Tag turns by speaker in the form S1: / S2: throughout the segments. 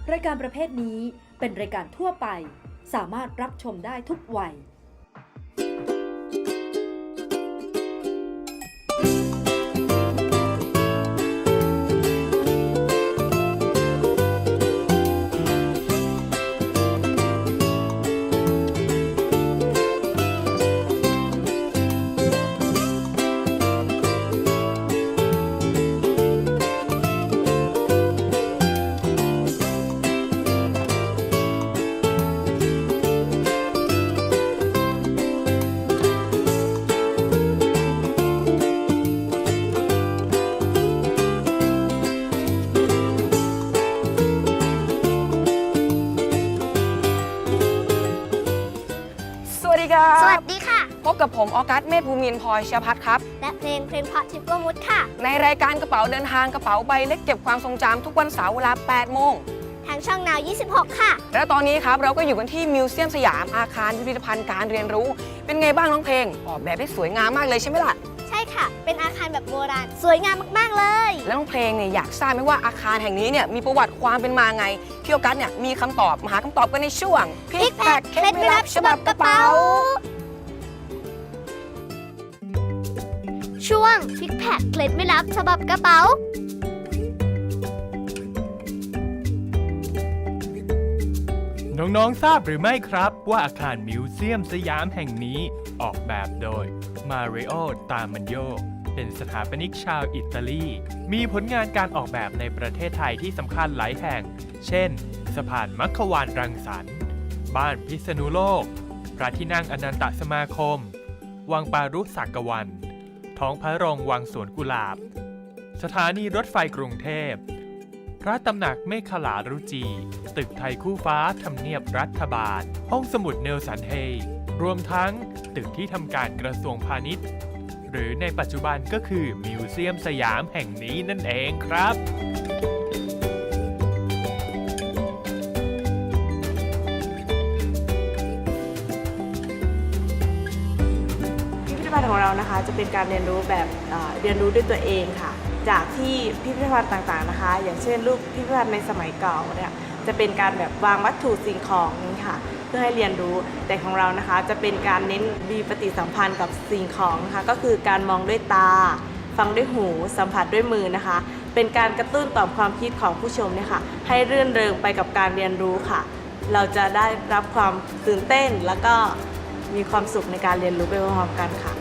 S1: รายการประเภทนี้เป็นรายการทั่วไปสามารถรับชมได้ทุกวัย
S2: สวัสดีค่ะพบกับผมออกัสเมธภูมินทร์พลอยเชียพัฒน์ครับ
S3: และเพลงเพราะทิพย์กมุตค่ะ
S2: ในรายการกระเป๋าเดินทางกระเป๋าใบเล็กเก็บความทรงจำทุกวันเสาร์เวลา 8 โมง
S3: ทางช่องนาว 26 ค่ะ
S2: และตอนนี้ครับเราก็อยู่กันที่มิวเซียมสยามอาคารพิพิธภัณฑ์การเรียนรู้เป็นไงบ้างน้องเพลงออกแบบได้สวยงามมากเลยใช่ไหมล่ะ
S3: ใช่ค่ะเป็นอาคารแบบโบราณสวยงามมากๆเลย
S2: แล้วน้องเพลงเนี่ยอยากทราบไหมว่าอาคารแห่งนี้เนี่ยมีประวัติความเป็นมาไงพี่ออกัสเนี่ยมีคำตอบมาหาคำตอบกันในช่วง
S3: พิกแพคเคล็ดลับฉบับกระเป๋าช่วงพิกแพคเคล็ดไม่ลับฉบับกระเป๋า
S4: น้องๆทราบหรือไม่ครับว่าอาคารมิวเซียมสยามแห่งนี้ออกแบบโดยมาริโอ ตามันโยเป็นสถาปนิกชาวอิตาลีมีผลงานการออกแบบในประเทศไทยที่สำคัญหลายแห่งเช่นสะพานมัคควานรังสรรค์บ้านพิษณุโลกพระที่นั่งอนันตสมาคมวังปารุสักวันท้องพระโรงวังสวนกุหลาบสถานีรถไฟกรุงเทพพระตำหนักเมฆลารุจีตึกไทยคู่ฟ้าทำเนียบรัฐบาลห้องสมุดเนลสันเฮย์รวมทั้งตึกที่ทำการกระทรวงพาณิชย์หรือในปัจจุบันก็คือมิวเซียมสยามแห่งนี้นั่นเองครับ
S5: พิพิธภัณฑ์ของเรานะคะจะเป็นการเรียนรู้แบบเรียนรู้ด้วยตัวเองค่ะจากที่พิพิธภัณฑ์ต่างๆนะคะอย่างเช่นรูปพิพิธภัณฑ์ในสมัยเก่าเนี่ยจะเป็นการแบบวางวัตถุสิ่งของนี่ค่ะเพื่อให้เรียนรู้แต่ของเรานะคะจะเป็นการเน้นมีปฏิสัมพันธ์กับสิ่งของนะคะก็คือการมองด้วยตาฟังด้วยหูสัมผัสด้วยมือนะคะเป็นการกระตุ้นต่อมความคิดของผู้ชมเนี่ยค่ะให้รื่นเริงไปกับการเรียนรู้ค่ะเราจะได้รับความตื่นเต้นแล้วก็มีความสุขในการเรียนรู้ไปพร้อมๆกันค่ะ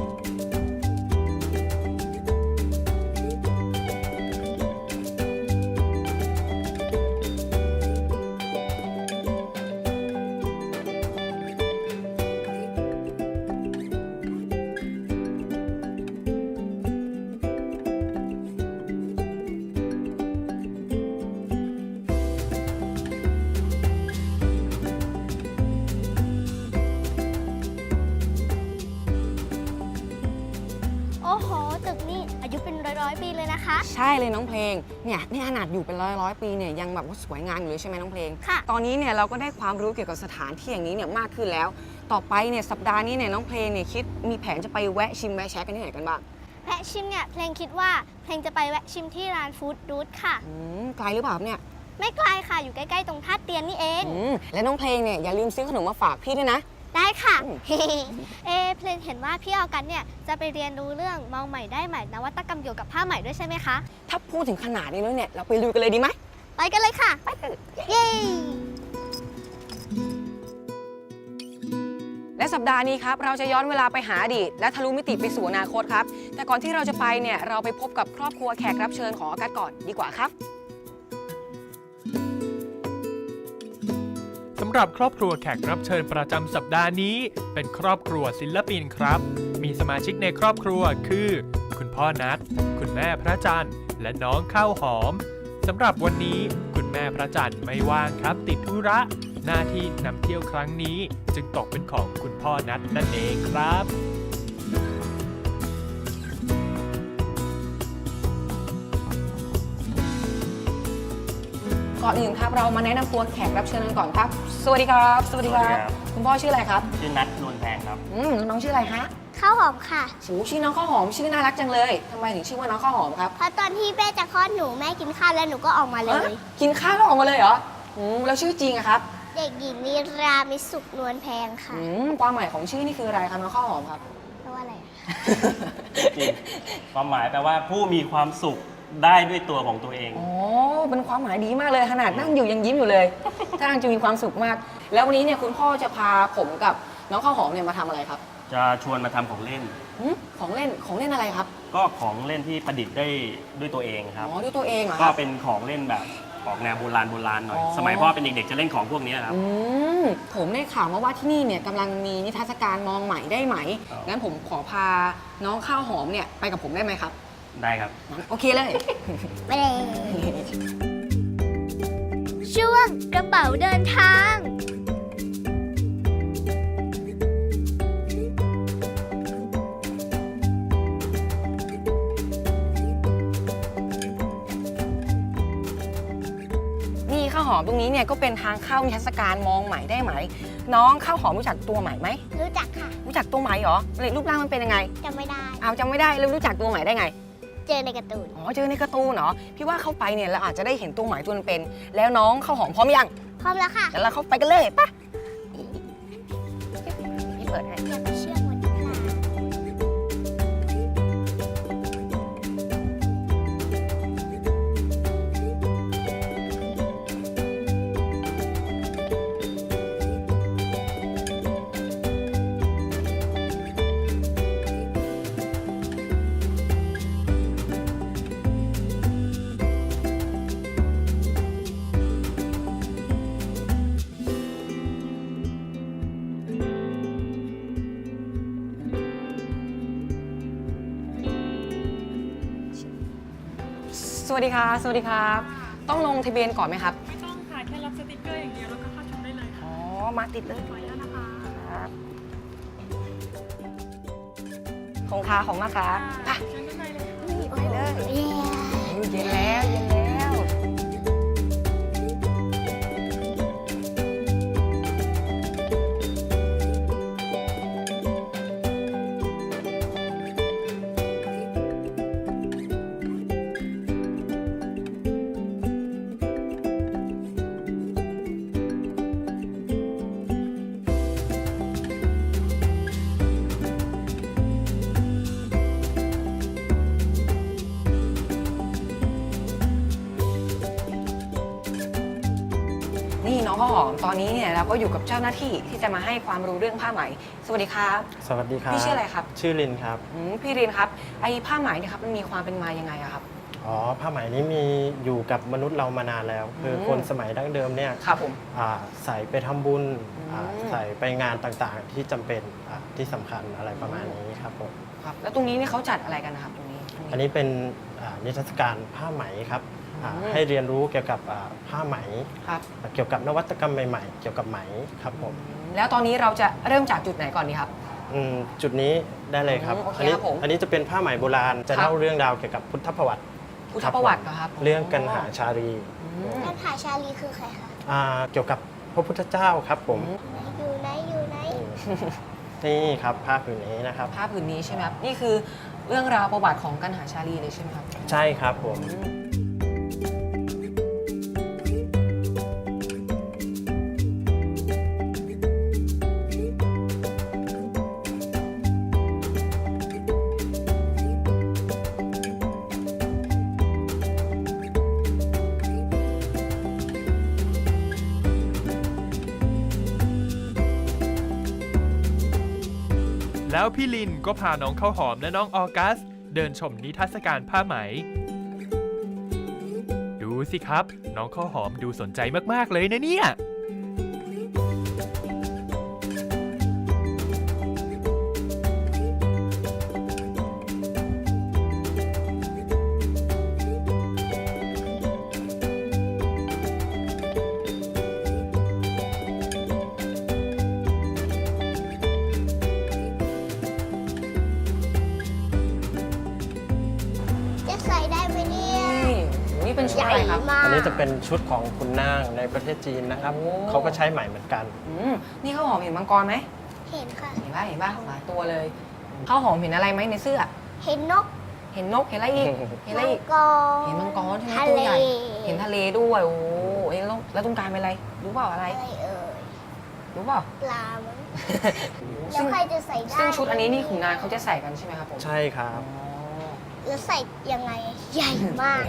S3: โอ้โหตึกนี่อายุเป็นร้อยปีเลยนะคะ
S2: ใช่เลยน้องเพลงเนี่ยนี่ขนาดอยู่เป็นร้อยปีเนี่ยยังแบบว่าสวยงามอยู่เลยใช่ไหมน้องเพลง
S3: ค่ะ
S2: ตอนนี้เนี่ยเราก็ได้ความรู้เกี่ยวกับสถานที่อย่างนี้เนี่ยมากขึ้นแล้วต่อไปเนี่ยสัปดาห์นี้เนี่ยน้องเพลงเนี่ยคิดมีแผนจะไปแวะชิมแวะแชะกันที่ไหนกันบ้าง
S3: แวะชิมเนี่ยเพลงคิดว่าเพลงจะไปแวะชิมที่ร้านฟู้ดรูทค่ะ
S2: ไกลหรือเปล่าเนี่ย
S3: ไม่ไกลค่ะอยู่ใกล้ๆตรงท่าเตียนนี่เอง
S2: และน้องเพลงเนี่ยอย่าลืมซื้อขนมมาฝากพี่ด้วยนะ
S3: ได้ค่ะเพลงเห็นว่าพี่ออกัสเนี่ยจะไปเรียนรู้เรื่องมองใหม่ได้ใหม่นวัตกรรมเกี่ยวกับผ้าใหม่ด้วยใช่ไหมคะ
S2: ถ้าพูดถึงขนาดนี้แล้วเนี่ยเราไปลุยกันเลยดีไหม
S3: ไปกันเลยค่ะไปเย้
S2: และสัปดาห์นี้ครับเราจะย้อนเวลาไปหาอดีตและทะลุมิติไปสู่อนาคตครับแต่ก่อนที่เราจะไปเนี่ยเราไปพบกับครอบครัวแขกรับเชิญของออกัสก่อนดีกว่าครับ
S4: สำหรับครอบครัวแขกรับเชิญประจำสัปดาห์นี้เป็นครอบครัวศิลปินครับมีสมาชิกในครอบครัวคือคุณพ่อนัทคุณแม่พระจันทร์และน้องข้าวหอมสำหรับวันนี้คุณแม่พระจันทร์ไม่ว่างครับติดธุระหน้าที่นำเที่ยวครั้งนี้จึงตกเป็นของคุณพ่อนัทนั่นเองครับ
S2: ก่อนอื่นครับเรามาแนะนำตัวแขกรับเชิญกันก่อนครับสวัสดีครับสวัสดีครับคุณพ่อชื่ออะไรครับ
S6: ชื่อนัทนวลแพงครับ
S2: น้องชื่ออะไรฮะ
S3: ข้าวหอมค่ะ
S2: โอ้ชื่อน้องข้าวหอมชื่อน่ารักจังเลยทำไมถึงชื่อว่าน้องข้าวหอมครับ
S3: เพราะตอนที่แม่จะคลอดหนูแม่กินข้าวแล้วหนูก็ออกมาเลย
S2: กินข้าวแล้วออกมาเลยเหรอแล้วชื่อจริงอะครับ
S3: เด็กหญิงนิรามิสุขนวลแพงค่ะ
S2: ความหมายของชื่อนี่คืออะไรครับน้องข้าวหอมครับ
S3: แปลว่าอะไร
S6: จริงความหมายแปลว่าผู้มีความสุขได้ด้วยตัวของตัวเอง
S2: อ๋อเป็นความหมายดีมากเลยขนาดนั่งอยู่ยังยิ้มอยู่เลยท่าทางจะมีความสุขมาก แล้ววันนี้เนี่ยคุณพ่อจะพาผมกับน้องข้าวหอมเนี่ยมาทำอะไรครับ
S6: จะชวนมาทำของเล่น
S2: ของเล่นอะไรครับ
S6: ก็ของเล่นที่ประดิษฐ์ได้ด้วยตัวเองครับ
S2: อ๋อด้วยตัวเองเหรอค
S6: ก็
S2: รับ
S6: เป็นของเล่นแบบออกแนวโบราณหน่อย
S2: อ๋อ
S6: สมัยพ่อเป็นเด็กๆจะเล่นของพวกนี้ครับ
S2: ผมได้ข่าวมาว่าที่นี่เนี่ยกำลังมีนิทรรศการมองใหม่ได้ไหม
S6: ครับ
S2: งั้นผมขอพาน้องข้าวหอมเนี่ยไปกับผมได้ไหมครับ
S6: ได้ครับ
S2: งั้นโอเคเลย
S3: ไปเลย ช่วงกระเป๋าเดินทาง
S2: นี่ข้าวหอมตรงนี้เนี่ยก็เป็นทางเข้านิทรรศการมองใหม่ได้ไหม น้องข้าวหอมรู้จักตัวใหม่ไหม
S3: รู้จักค่ะ
S2: รู้จักตัวใหม่เหรอรูปร่างมันเป็นยังไง
S3: จำไม่ได้
S2: เอาจำไม่ได้แล้วรู้จักตัวใหม่ได้ไง
S3: เจอในการ์ตูน
S2: อ๋อเจอในการ์ตูนเหรอพี่ว่าเข้าไปเนี่ยเราอาจจะได้เห็นตัวใหม่ตัวเป็นๆแล้วน้องข้าวหอมพร้อมยัง
S3: พร้อมแล้วค่ะ
S2: เดี๋ยวเราเข้าไปกันเลยปะพี่เปิดให้
S3: อยากไปเชื่อมวันนี้ค่ะ
S2: สวัสดีครับสวัสดีครับ ต้องลงทะเบียนก่อนไหมครับ
S7: ไม่ต้องค่ะ แค่รับสติกเกอร์อย่างเดียวแล้วก็เข้าชมได้เลยค่ะ
S2: อ๋อมาติดเลย
S7: ขออนุญาตนะคะ
S2: ครับของค้าของนะคะอ่ะ
S7: เชิญด้านในเลยค่ะ
S2: ไปเลย
S3: เย้
S2: เย็นแล้วเย็นแล้ว นี่น้องข้าวหอมตอนนี้เนี่ยเราก็อยู่กับเจ้าหน้าที่ที่จะมาให้ความรู้เรื่องผ้าไหมสวัสดีครับ
S8: สวัสดีครับ
S2: พี่ชื่ออะไรครับ
S8: ชื่อลินครับ
S2: พี่รินครับไอ้ผ้าไหมเนี่ยครับมันมีความเป็นมายังไงอะครับ
S8: อ๋อ ผ้าไหมนี้มีอยู่กับมนุษย์เรามานานแล้ว คือคนสมัยดั้งเดิมเนี่ย
S2: ครับผม
S8: ใส่ไปทำบุญ
S2: อืม
S8: ใส่ไปงานต่างๆ ที่จำเป็นที่สำคัญอะไรประมาณนี้ครับผม
S2: ครับแล้วตรงนี้เนี่ยเขาจัดอะไรกันนะครับตรงนี้
S8: อันนี้เป็นนิทรรศการผ้าไหมครับ
S2: อืม
S8: ให้เรียนรู้เกี่ยวกับผ้าไหม
S2: ครับ
S8: เกี่ยวกับนวัตกรรมใหม่ๆ เกี่ยวกับไหมครับผม
S2: แล้วตอนนี้เราจะเริ่มจากจุดไหนก่อนดีครับ
S8: จุดนี้ได้เลยครับ
S2: โอเค
S8: อันี้
S2: ครับผม
S8: อันนี้จะเป็นผ้าไหมโบราณ จะ
S2: ครับ
S8: เล่าเรื่องราวเกี่ยวกับพุทธประวัติ
S2: พุทธประวัติเหรอครับ
S8: เรื่องกันหาชาลี
S3: ท่านหาชาลีคือใครคะ
S8: เกี่ยวกับพระพุทธเจ้าครับผม
S3: อยู่ไหน อยู่ไหน
S8: นี่ครับผ้าผืนนี้นะครับ
S2: ผ้าผืนนี้ใช่ไหมครับนี่คือเรื่องราวประวัติของกันหาชาลีเลยใช่ไหมครับ
S8: ใช่ครับผม
S4: แล้วพี่ลินก็พาน้องข้าวหอมและน้องออกัส เดินชมนิทรรศการผ้าไหม ดูสิครับ น้องข้าวหอมดูสนใจมากๆเลยนะเนี่ย
S3: จะใส่ได้ไหมเนี่ย
S2: นี่โอ้โหนี่เป็นชุด
S3: ใหญ่
S2: อะไรครับ
S3: มาก
S8: อันนี้จะเป็นชุดของคุณนางในประเทศจีนนะครับ
S2: โอ้
S8: เขาก็ใช้ไหมเหมือนกัน
S2: นี่ข้าวหอมเห็นมังกรไหม
S3: เห็นค่ะ
S2: เห็นป่ะหลายตัวเลยข้าวหอมเห็นอะไรไหมในเสื้อ
S3: เห็นนก
S2: เห็นนก เห็นอะไรอีก เห็นอะไร
S3: มัง
S2: อีก
S3: กร
S2: เห็นมังกรใช่ไหม
S3: ทะ
S2: ตัว
S3: เล
S2: ใหญ่ เห็นทะเลด้วย โอ้เอ้ยแล้วตรงกลางเป็นอะไร รู้เปล่าอะไร
S3: อะไรเอ่ย
S2: รู้เปล่า
S3: ปลามั้งแล้
S2: ซึ่
S3: ว
S2: ง
S3: ใครจะใส่ได้
S2: ซึ่งชุดอันนี้นี่ขุนนางเขาจะใส่กันใช่ไหมครับผม
S8: ใช่ครับ
S2: อ๋อ
S3: แล้วใส่ยังไงใหญ่มาก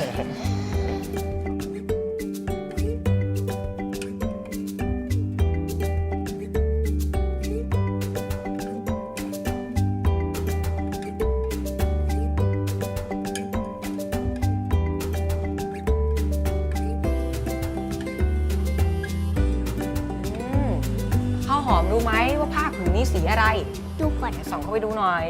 S2: อืมข้าวหอมรู้ไหมว่าผ้าผืนนี้สีอะไร
S3: ดูก่อน
S2: ไหนส่องเข้าไปดูหน่อย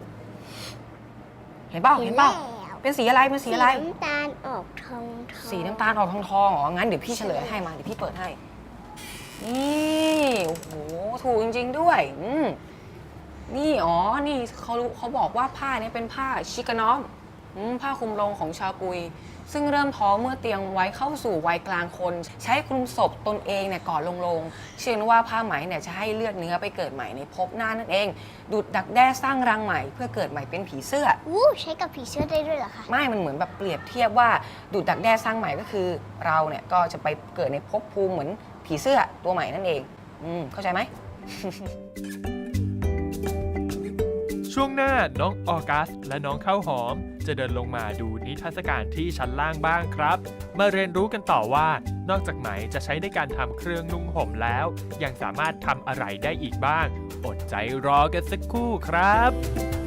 S2: เห็นเปล่า เห็นเปล่า เป็นสีอะไร เป็นสีอะไร
S3: น้ำตาลออกทอง
S2: สีน้ำตาลออกทองๆอ๋อ งั้นเดี๋ยวพี่เฉลยให้มา เดี๋ยวพี่เปิดให้ นี่โอ้โห ถูกจริงๆด้วยนี่ อ๋อ นี่เขาบอกว่าผ้านี้เป็นผ้าชิกานอมผ้าคลุมลงของชาวกุย ซึ่งเริ่มท้อเมื่อเตรียมไว้เข้าสู่วัยกลางคน ใช้คลุมศพตนเองเนี่ยก่อนลงเชื่อว่าผ้าไหมเนี่ยจะให้เลือดเนื้อไปเกิดใหม่ในภพหน้านั่นเอง ดูดดักแด้สร้างรังใหม่เพื่อเกิดใหม่เป็นผีเสื้อ
S3: ใช้กับผีเสื้อได้ด้วยเหรอคะ
S2: ไม่ มันเหมือนแบบเปรียบเทียบว่าดูดดักแด้สร้างใหม่ก็คือเราเนี่ยก็จะไปเกิดในภพภูมิเหมือนผีเสื้อตัวใหม่นั่นเองเข้าใจไหม
S4: ช่วงหน้าน้องออกัสและน้องข้าวหอม จะเดินลงมาดูนิทรรศการที่ชั้นล่างบ้างครับ มาเรียนรู้กันต่อว่านอกจากไหมจะใช้ในการทำเครื่องนุ่งห่มแล้ว ยังสามารถทำอะไรได้อีกบ้าง อดใจรอกันสักครู่ครับ